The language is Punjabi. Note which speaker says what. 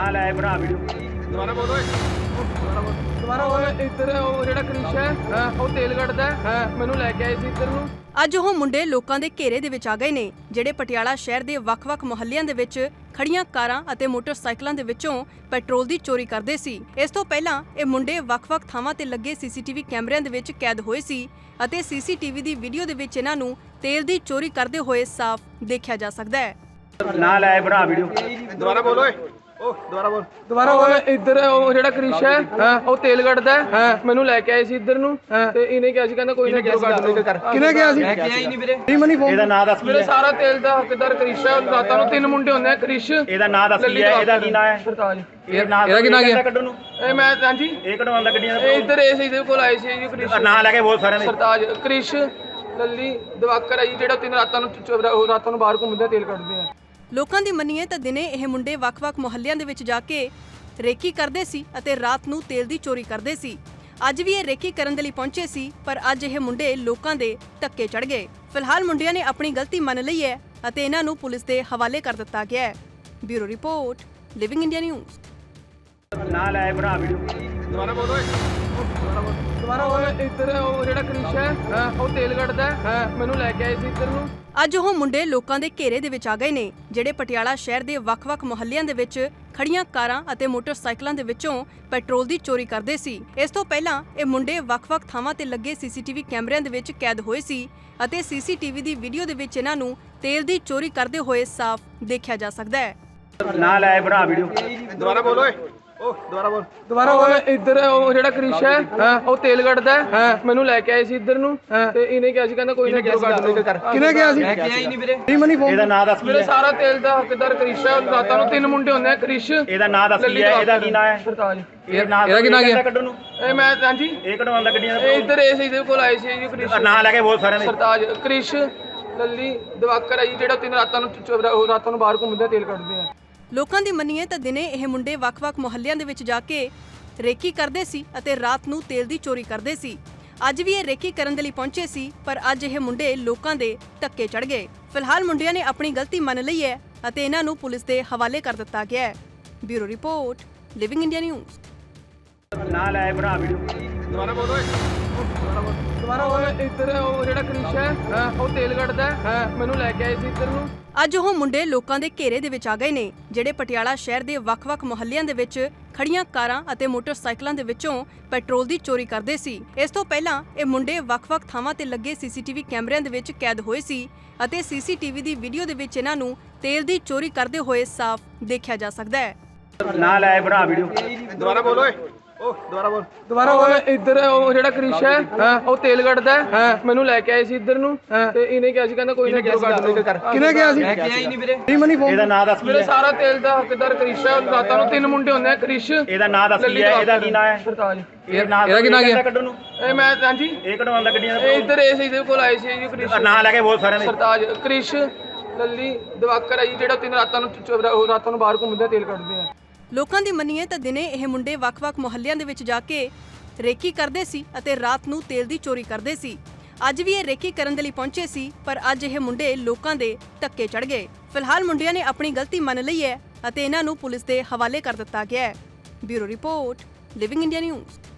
Speaker 1: ਨਾ ਲੈ ਭਰਾ ਵੀਡੀਓ
Speaker 2: ਦੁਬਾਰਾ ਬੋਲੋ ਦੁਬਾਰਾ ਬੋਲੋ। ਇੱਧਰ ਉਹ ਜਿਹੜਾ ਕ੍ਰਿਸ਼ ਹੈ ਉਹ ਤੇਲ ਕੱਢਦਾ ਹੈ, ਮੈਨੂੰ ਲੈ ਕੇ ਆਏ ਸੀ ਇੱਧਰ ਨੂੰ।
Speaker 3: ਅੱਜ ਉਹ ਮੁੰਡੇ ਲੋਕਾਂ ਦੇ ਘੇਰੇ ਦੇ ਵਿੱਚ ਆ ਗਏ ਨੇ ਜਿਹੜੇ ਪਟਿਆਲਾ ਸ਼ਹਿਰ ਦੇ ਵੱਖ-ਵੱਖ ਮੁਹੱਲਿਆਂ ਦੇ ਵਿੱਚ ਖੜੀਆਂ ਕਾਰਾਂ ਅਤੇ ਮੋਟਰਸਾਈਕਲਾਂ ਦੇ ਵਿੱਚੋਂ ਪੈਟਰੋਲ ਦੀ ਚੋਰੀ ਕਰਦੇ ਸੀ। ਇਸ ਤੋਂ ਪਹਿਲਾਂ ਇਹ ਮੁੰਡੇ ਵੱਖ-ਵੱਖ ਥਾਵਾਂ ਤੇ ਲੱਗੇ ਸੀਸੀਟੀਵੀ ਕੈਮਰਿਆਂ ਦੇ ਵਿੱਚ ਕੈਦ ਹੋਏ ਸੀ ਅਤੇ ਸੀਸੀਟੀਵੀ ਦੀ ਵੀਡੀਓ ਦੇ ਵਿੱਚ ਇਹਨਾਂ ਨੂੰ ਤੇਲ ਦੀ ਚੋਰੀ ਕਰਦੇ ਹੋਏ ਸਾਫ਼ ਦੇਖਿਆ ਜਾ ਸਕਦਾ ਹੈ।
Speaker 1: ਨਾ ਲੈ ਭਰਾ ਵੀਡੀਓ
Speaker 2: ਦੁਬਾਰਾ ਬੋਲੋ ਦੁਬਾਰਾ ਬੋਲੋ। ਇੱਧਰ ਉਹ ਜਿਹੜਾ ਕ੍ਰਿਸ਼ ਹੈ ਉਹ ਤੇਲ ਕੱਢਦਾ ਹੈ, ਮੈਨੂੰ ਲੈ ਕੇ ਆਏ ਸੀ ਇੱਧਰ ਨੂੰ ਤੇ ਇਹਨੇ ਕਿਹਾ ਸੀ ਕਹਿੰਦਾ ਕੋਈ ਨਾ ਕਿਹਨੇ ਕਿਹਾ ਸੀ?
Speaker 1: ਇਹਦਾ ਨਾਂ ਦੱਸ
Speaker 2: ਮੇਰੇ ਸਾਰਾ ਤੇਲ ਦਾ ਹੱਕਦਾਰ ਕ੍ਰਿਸ਼ ਹੈ। ਰਾਤਾਂ ਨੂੰ 3 ਮੁੰਡੇ ਹੁੰਦੇ ਆ ਕ੍ਰਿਸ਼।
Speaker 1: ਇਹਦਾ ਨਾਂ ਦੱਸ ਕੀ ਹੈ? ਇਹਦਾ ਕੀ ਨਾਂ ਹੈ?
Speaker 2: ਸਰਤਾਜ।
Speaker 1: ਇਹਦਾ ਕੀ ਨਾਂ ਹੈ? ਕੱਢਣ ਨੂੰ
Speaker 2: ਇਹ ਮੈਂ ਹਾਂਜੀ
Speaker 1: ਇਹ ਕਢਵਾਉਂਦਾ ਗੱਡੀਆਂ ਦਾ।
Speaker 2: ਇਹ ਇੱਧਰ ਇਸ ਇਹਦੇ ਕੋਲ ਆਏ ਸੀ ਜੀ ਕ੍ਰਿਸ਼।
Speaker 1: ਨਾਂ ਲੈ ਕੇ ਬਹੁਤ ਸਾਰਿਆਂ ਦੇ।
Speaker 2: ਸਰਤਾਜ, ਕ੍ਰਿਸ਼, ਲੱਲੀ, ਦਿਵਾਕਰ ਹੈ ਜੀ ਜਿਹੜਾ 3 ਰਾਤਾਂ ਨੂੰ ਬਾਹਰ ਘੁੰਮਦੇ ਤੇਲ ਕੱਢਦੇ ਆ।
Speaker 3: ਲੋਕਾਂ ਦੀ ਮੰਨੀਏ ਤਾਂ ਦਿਨੇ ਇਹ ਮੁੰਡੇ ਵੱਖ-ਵੱਖ ਮੁਹੱਲਿਆਂ ਦੇ ਵਿੱਚ ਜਾ ਕੇ ਰੇਕੀ ਕਰਦੇ ਸੀ ਅਤੇ ਰਾਤ ਨੂੰ ਤੇਲ ਦੀ ਚੋਰੀ ਕਰਦੇ ਸੀ। ਅੱਜ ਵੀ ਇਹ ਰੇਕੀ ਕਰਨ ਦੇ ਲਈ ਪਹੁੰਚੇ ਸੀ, ਪਰ ਅੱਜ ਇਹ ਮੁੰਡੇ ਲੋਕਾਂ ਦੇ ਧੱਕੇ ਚੜ੍ਹ ਗਏ। ਫਿਲਹਾਲ ਮੁੰਡਿਆਂ ਨੇ ਆਪਣੀ ਗਲਤੀ ਮੰਨ ਲਈ ਹੈ ਅਤੇ ਇਹਨਾਂ ਨੂੰ ਪੁਲਿਸ ਦੇ ਹਵਾਲੇ ਕਰ ਦਿੱਤਾ ਗਿਆ ਹੈ। Bureau report, Living India News.
Speaker 1: ਨਾ ਲੈ ਭਰਾ ਵੀਡੀਓ
Speaker 2: ਦੁਬਾਰਾ ਬੋਲੋ ਦੁਬਾਰਾ ਬੋਲੋ। ਇੱਧਰ ਉਹ ਜਿਹੜਾ ਕ੍ਰਿਸ਼ ਹੈ ਉਹ ਤੇਲ ਕੱਢਦਾ ਹੈ, ਮੈਨੂੰ ਲੈ ਕੇ ਆਏ ਸੀ ਇੱਧਰ ਨੂੰ।
Speaker 3: ਅੱਜ ਉਹ ਮੁੰਡੇ ਲੋਕਾਂ ਦੇ ਘੇਰੇ ਦੇ ਵਿੱਚ ਆ ਗਏ ਨੇ ਜਿਹੜੇ ਪਟਿਆਲਾ ਸ਼ਹਿਰ ਦੇ ਵੱਖ-ਵੱਖ ਮੁਹੱਲਿਆਂ ਦੇ ਵਿੱਚ ਖੜੀਆਂ ਕਾਰਾਂ ਅਤੇ ਮੋਟਰਸਾਈਕਲਾਂ ਦੇ ਵਿੱਚੋਂ ਪੈਟਰੋਲ ਦੀ ਚੋਰੀ ਕਰਦੇ ਸੀ। ਇਸ ਤੋਂ ਪਹਿਲਾਂ ਇਹ ਮੁੰਡੇ ਵੱਖ-ਵੱਖ ਥਾਵਾਂ ਤੇ ਲੱਗੇ ਸੀਸੀਟੀਵੀ ਕੈਮਰਿਆਂ ਦੇ ਵਿੱਚ ਕੈਦ ਹੋਏ ਸੀ ਅਤੇ ਸੀਸੀਟੀਵੀ ਦੀ ਵੀਡੀਓ ਦੇ ਵਿੱਚ ਇਹਨਾਂ ਨੂੰ ਤੇਲ ਦੀ ਚੋਰੀ ਕਰਦੇ ਹੋਏ ਸਾਫ਼ ਦੇਖਿਆ ਜਾ ਸਕਦਾ ਹੈ।
Speaker 1: ਨਾ ਲੈ ਭਰਾ ਵੀਡੀਓ
Speaker 2: ਦੁਬਾਰਾ ਬੋਲੋ ਦੁਬਾਰਾ ਬੋਲੋ। ਇੱਧਰ ਉਹ ਜਿਹੜਾ ਕ੍ਰਿਸ਼ ਹੈ ਉਹ ਤੇਲ ਕੱਢਦਾ ਹੈ, ਮੈਨੂੰ ਲੈ ਕੇ ਆਏ ਸੀ ਇੱਧਰ ਨੂੰ ਤੇ ਇਹਨੇ ਕਿਹਾ ਸੀ ਕਹਿੰਦਾ ਕੋਈ ਨਾ ਕਿਹਨੇ ਕਿਹਾ ਸੀ?
Speaker 1: ਇਹਦਾ ਨਾਂ ਦੱਸ
Speaker 2: ਮੇਰੇ ਸਾਰਾ ਤੇਲ ਦਾ ਹੱਕਦਾਰ ਕ੍ਰਿਸ਼ ਹੈ। ਰਾਤਾਂ ਨੂੰ 3 ਮੁੰਡੇ ਹੁੰਦੇ ਆ ਕ੍ਰਿਸ਼।
Speaker 1: ਇਹਦਾ ਨਾਂ ਦੱਸ ਕੀ ਹੈ? ਇਹਦਾ ਕੀ ਨਾਂ ਹੈ?
Speaker 2: ਸਰਤਾਜ।
Speaker 1: ਇਹਦਾ ਕੀ ਨਾਂ ਹੈ? ਕੱਢਣ ਨੂੰ
Speaker 2: ਇਹ ਮੈਂ ਹਾਂਜੀ
Speaker 1: ਇਹ ਕਢਵਾਉਂਦਾ ਗੱਡੀਆਂ ਦਾ।
Speaker 2: ਇਹ ਇੱਧਰ ਇਸ ਇਹਦੇ ਕੋਲ ਆਏ ਸੀ ਜੀ ਕ੍ਰਿਸ਼।
Speaker 1: ਨਾਂ ਲੈ ਕੇ ਬਹੁਤ ਸਾਰਿਆਂ ਦੇ।
Speaker 2: ਸਰਤਾਜ, ਕ੍ਰਿਸ਼, ਲੱਲੀ, ਦਿਵਾਕਰ ਹੈ ਜੀ ਜਿਹੜਾ 3 ਰਾਤਾਂ ਨੂੰ ਬਾਹਰ ਘੁੰਮਦੇ ਤੇਲ ਕੱਢਦੇ ਆ।
Speaker 3: ਲੋਕਾਂ ਦੀ ਮੰਨੀਏ ਤਾਂ ਦਿਨੇ ਇਹ ਮੁੰਡੇ ਵੱਖ-ਵੱਖ ਮੁਹੱਲਿਆਂ ਦੇ ਵਿੱਚ ਜਾ ਕੇ ਰੇਕੀ ਕਰਦੇ ਸੀ ਅਤੇ ਰਾਤ ਨੂੰ ਤੇਲ ਦੀ ਚੋਰੀ ਕਰਦੇ ਸੀ। ਅੱਜ ਵੀ ਇਹ ਰੇਕੀ ਕਰਨ ਦੇ ਲਈ ਪਹੁੰਚੇ ਸੀ, ਪਰ ਅੱਜ ਇਹ ਮੁੰਡੇ ਲੋਕਾਂ ਦੇ ਧੱਕੇ ਚੜ੍ਹ ਗਏ। ਫਿਲਹਾਲ ਮੁੰਡਿਆਂ ਨੇ ਆਪਣੀ ਗਲਤੀ ਮੰਨ ਲਈ ਹੈ ਅਤੇ ਇਹਨਾਂ ਨੂੰ ਪੁਲਿਸ ਦੇ ਹਵਾਲੇ ਕਰ ਦਿੱਤਾ ਗਿਆ ਹੈ। Bureau report, Living India News.
Speaker 1: ਨਾ ਲੈ ਭਰਾ ਵੀਡੀਓ
Speaker 2: ਦੁਬਾਰਾ ਬੋਲੋ ਦੁਬਾਰਾ ਬੋਲੋ। ਇੱਧਰ ਉਹ ਜਿਹੜਾ ਕ੍ਰਿਸ਼ ਹੈ ਉਹ ਤੇਲ ਕੱਢਦਾ ਹੈ, ਮੈਨੂੰ ਲੈ ਕੇ ਆਏ ਸੀ ਇੱਧਰ ਨੂੰ।
Speaker 3: ਅੱਜ ਉਹ ਮੁੰਡੇ ਲੋਕਾਂ ਦੇ ਘੇਰੇ ਦੇ ਵਿੱਚ ਆ ਗਏ ਨੇ ਜਿਹੜੇ ਪਟਿਆਲਾ ਸ਼ਹਿਰ ਦੇ ਵੱਖ-ਵੱਖ ਮੁਹੱਲਿਆਂ ਦੇ ਵਿੱਚ ਖੜੀਆਂ ਕਾਰਾਂ ਅਤੇ ਮੋਟਰਸਾਈਕਲਾਂ ਦੇ ਵਿੱਚੋਂ ਪੈਟਰੋਲ ਦੀ ਚੋਰੀ ਕਰਦੇ ਸੀ। ਇਸ ਤੋਂ ਪਹਿਲਾਂ ਇਹ ਮੁੰਡੇ ਵੱਖ-ਵੱਖ ਥਾਵਾਂ ਤੇ ਲੱਗੇ ਸੀਸੀਟੀਵੀ ਕੈਮਰਿਆਂ ਦੇ ਵਿੱਚ ਕੈਦ ਹੋਏ ਸੀ ਅਤੇ ਸੀਸੀਟੀਵੀ ਦੀ ਵੀਡੀਓ ਦੇ ਵਿੱਚ ਇਹਨਾਂ ਨੂੰ ਤੇਲ ਦੀ ਚੋਰੀ ਕਰਦੇ ਹੋਏ ਸਾਫ਼ ਦੇਖਿਆ ਜਾ ਸਕਦਾ ਹੈ।
Speaker 1: ਨਾ ਲੈ ਭਰਾ ਵੀਡੀਓ
Speaker 2: ਦੁਬਾਰਾ ਬੋਲੋ ਦੁਬਾਰਾ ਬੋਲੋ। ਇੱਧਰ ਉਹ ਜਿਹੜਾ ਕ੍ਰਿਸ਼ ਹੈ ਉਹ ਤੇਲ ਕੱਢਦਾ ਹੈ, ਮੈਨੂੰ ਲੈ ਕੇ ਆਏ ਸੀ ਇੱਧਰ ਨੂੰ ਤੇ ਇਹਨੇ ਕਿਹਾ ਸੀ ਕਹਿੰਦਾ ਕੋਈ ਨਾ ਕਿਹਨੇ ਕਿਹਾ ਸੀ?
Speaker 1: ਇਹਦਾ ਨਾਂ ਦੱਸ
Speaker 2: ਮੇਰੇ ਸਾਰਾ ਤੇਲ ਦਾ ਹੱਕਦਾਰ ਕ੍ਰਿਸ਼ ਹੈ। ਰਾਤਾਂ ਨੂੰ 3 ਮੁੰਡੇ ਹੁੰਦੇ ਆ ਕ੍ਰਿਸ਼।
Speaker 1: ਇਹਦਾ ਨਾਂ ਦੱਸ ਕੀ ਹੈ? ਇਹਦਾ ਕੀ ਨਾਂ ਹੈ?
Speaker 2: ਸਰਤਾਜ।
Speaker 1: ਇਹਦਾ ਕੀ ਨਾਂ ਹੈ? ਕੱਢਣ ਨੂੰ
Speaker 2: ਇਹ ਮੈਂ ਹਾਂਜੀ
Speaker 1: ਇਹ ਕਢਵਾਉਂਦਾ ਗੱਡੀਆਂ ਦਾ।
Speaker 2: ਇਹ ਇੱਧਰ ਇਸ ਇਹਦੇ ਕੋਲ ਆਏ ਸੀ ਜੀ ਕ੍ਰਿਸ਼।
Speaker 1: ਨਾਂ ਲੈ ਕੇ ਬਹੁਤ ਸਾਰਿਆਂ ਦੇ।
Speaker 2: ਸਰਤਾਜ, ਕ੍ਰਿਸ਼, ਲੱਲੀ, ਦਿਵਾਕਰ ਹੈ ਜੀ ਜਿਹੜਾ 3 ਰਾਤਾਂ ਨੂੰ ਬਾਹਰ ਘੁੰਮਦੇ ਤੇਲ ਕੱਢਦੇ ਆ।
Speaker 3: ਲੋਕਾਂ ਦੀ ਮੰਨੀਏ ਤਾਂ ਦਿਨੇ ਇਹ ਮੁੰਡੇ ਵੱਖ-ਵੱਖ ਮੁਹੱਲਿਆਂ ਦੇ ਵਿੱਚ ਜਾ ਕੇ ਰੇਕੀ ਕਰਦੇ ਸੀ ਅਤੇ ਰਾਤ ਨੂੰ ਤੇਲ ਦੀ ਚੋਰੀ ਕਰਦੇ ਸੀ। ਅੱਜ ਵੀ ਇਹ ਰੇਕੀ ਕਰਨ ਦੇ ਲਈ ਪਹੁੰਚੇ ਸੀ, ਪਰ ਅੱਜ ਇਹ ਮੁੰਡੇ ਲੋਕਾਂ ਦੇ ਧੱਕੇ ਚੜ੍ਹ ਗਏ। ਫਿਲਹਾਲ ਮੁੰਡਿਆਂ ਨੇ ਆਪਣੀ ਗਲਤੀ ਮੰਨ ਲਈ ਹੈ ਅਤੇ ਇਹਨਾਂ ਨੂੰ ਪੁਲਿਸ ਦੇ ਹਵਾਲੇ ਕਰ ਦਿੱਤਾ ਗਿਆ ਹੈ। Bureau report, Living India news.